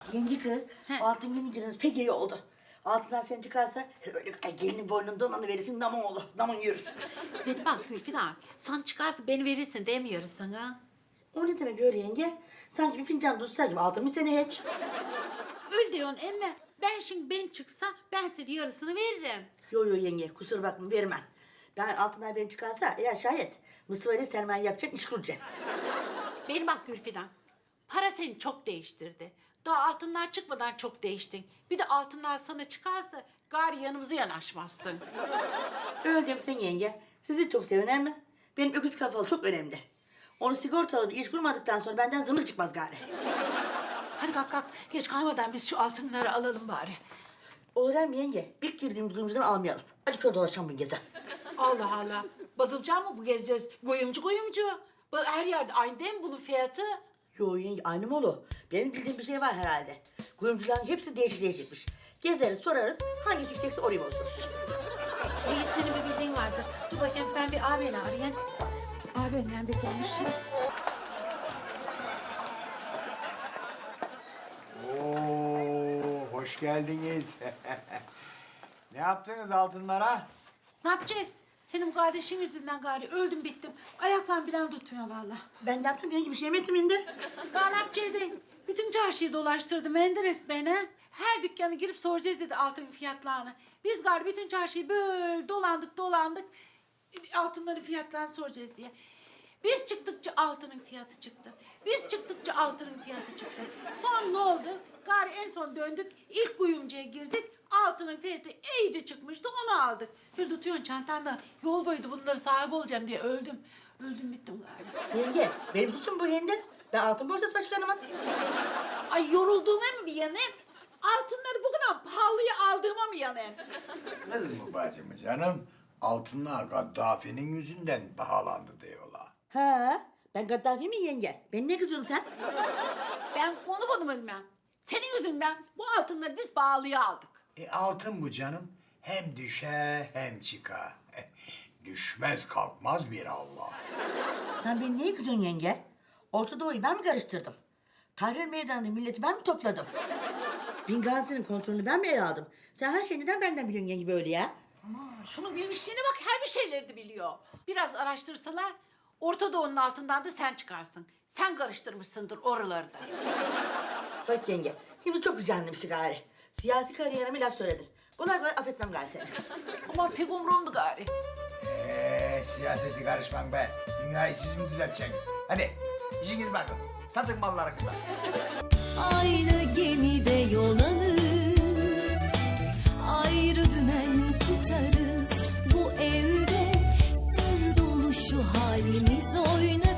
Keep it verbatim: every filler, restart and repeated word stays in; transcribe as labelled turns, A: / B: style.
A: Yenge kız,
B: He.
A: altın günü giriniz pek iyi oldu. Altından sen çıkarsa öyle ay, gelinin boynundan onu verirsin damın olur, damın yürür.
B: Beni bak Gülfidan, sen çıkarsa beni verirsin demiyoruz sana.
A: O ne demek öyle yenge? Sanki bir fincan tutsa gibi altın bir sene hiç.
B: Öyle diyorsun emme. Ben şimdi ben çıksa ben senin yarısını veririm.
A: Yo yo yenge, kusura bakma vermem. Ben altından ben çıkarsa ya şayet Mustafa ile sermaye yapacak, iş kuracak.
B: Beni bak Gülfidan, para seni çok değiştirdi. Daha altınlar çıkmadan çok değiştin. Bir de altınlar sana çıkarsa gari yanımıza yanaşmazsın.
A: Öyle demişsin yenge. Sizi çok seven mi? Benim öküz kafalı çok önemli. Onu sigortalı bir iş kurmadıktan sonra benden zımık çıkmaz gari.
B: Hadi kalk kalk, geç kalmadan biz şu altınları alalım bari.
A: Olur hem yenge. İlk girdiğimiz kuyumcudan almayalım. Hadi kör dolaşalım bu geze.
B: Allah Allah, badılacak mı bu gezeceğiz? Goyumcu goyumcu. Bu her yerde aynı değil mi bunun fiyatı?
A: Yo yenge aynı mı olur? Benim bildiğim bir şey var herhalde. Kuyumcuların hepsi değişik değişikmiş. Gezeriz sorarız hangisi yüksekse orayı bozdururuz.
B: İyi senin bir bildiğin vardır. Dur bakayım ben bir ağabeyini arayayım. Ağabeyimden bir konuşayım.
C: Oo, hoş geldiniz. Ne yaptınız altınlara?
B: Ne yapacağız? Senin bu kardeşin yüzünden gari öldüm bittim. Ayaklarım bilen tutmuyor vallahi.
A: Ben de yaptım yenge bir şey mi ettim indi?
B: Daha ne yapacaktın? Bütün çarşıyı dolaştırdı Menderes beni. Her dükkanı girip soracağız dedi altın fiyatlarını. Biz gari bütün çarşıyı böyle dolandık dolandık. Altınların fiyatlarını soracağız diye. Biz çıktıkça altının fiyatı çıktı. Biz çıktıkça altının fiyatı çıktı. Son ne oldu? Gari en son döndük. İlk kuyumcuya girdik. Altının fiyatı iyice çıkmıştı. Onu aldık. Bir tutuyorsun çantanda. Yol boyuydu bunları sahibi olacağım diye öldüm. Öldüm bittim galiba.
A: Yenge benim suçum bu hindi. Ben altın borsası başkanımım.
B: Ay yorulduğuma mı bir yanayım? Altınları bu kadar pahalıya aldığıma mı yanayım?
C: Kız mı bacım canım? Altınlar Gaddafi'nin yüzünden pahalandı diyorlar.
A: Ha, ben Gaddafi mi yenge? Ben ne kızıyorsun sen?
B: Ben onu bunu bilmem. Senin yüzünden bu altınları biz pahalıya aldık.
C: E altın bu canım. Hem düşer hem çıkar. Düşmez kalkmaz bir Allah.
A: Sen beni neye kızıyorsun yenge? Orta Doğu'yu ben mi karıştırdım? Tahrir Meydanı'nda milleti ben mi topladım? Bingazi'nin kontrolünü ben mi ele aldım? Sen her şeyi neden benden biliyorsun yenge böyle ya?
B: Şunu bilmişliğine bak her bir şeyleri de biliyor. Biraz araştırsalar Orta Doğu'nun altından da sen çıkarsın. Sen karıştırmışsındır oraları da.
A: Bak yenge, şimdi çok gücenlemişti gari. Siyasi kariyerime laf söyledin. Kolay kolay affetmem gari seni.
B: Ama pek umurumdu gari.
C: Eee siyaseti karışmam be. Dünyayı siz mi düzelteceksiniz? Hadi işiniz bakın. Satın mallarınızı.
D: Aynı gemide yol alır, ayrı dümen tutarız. Bu evde sır dolu şu halimiz oynar.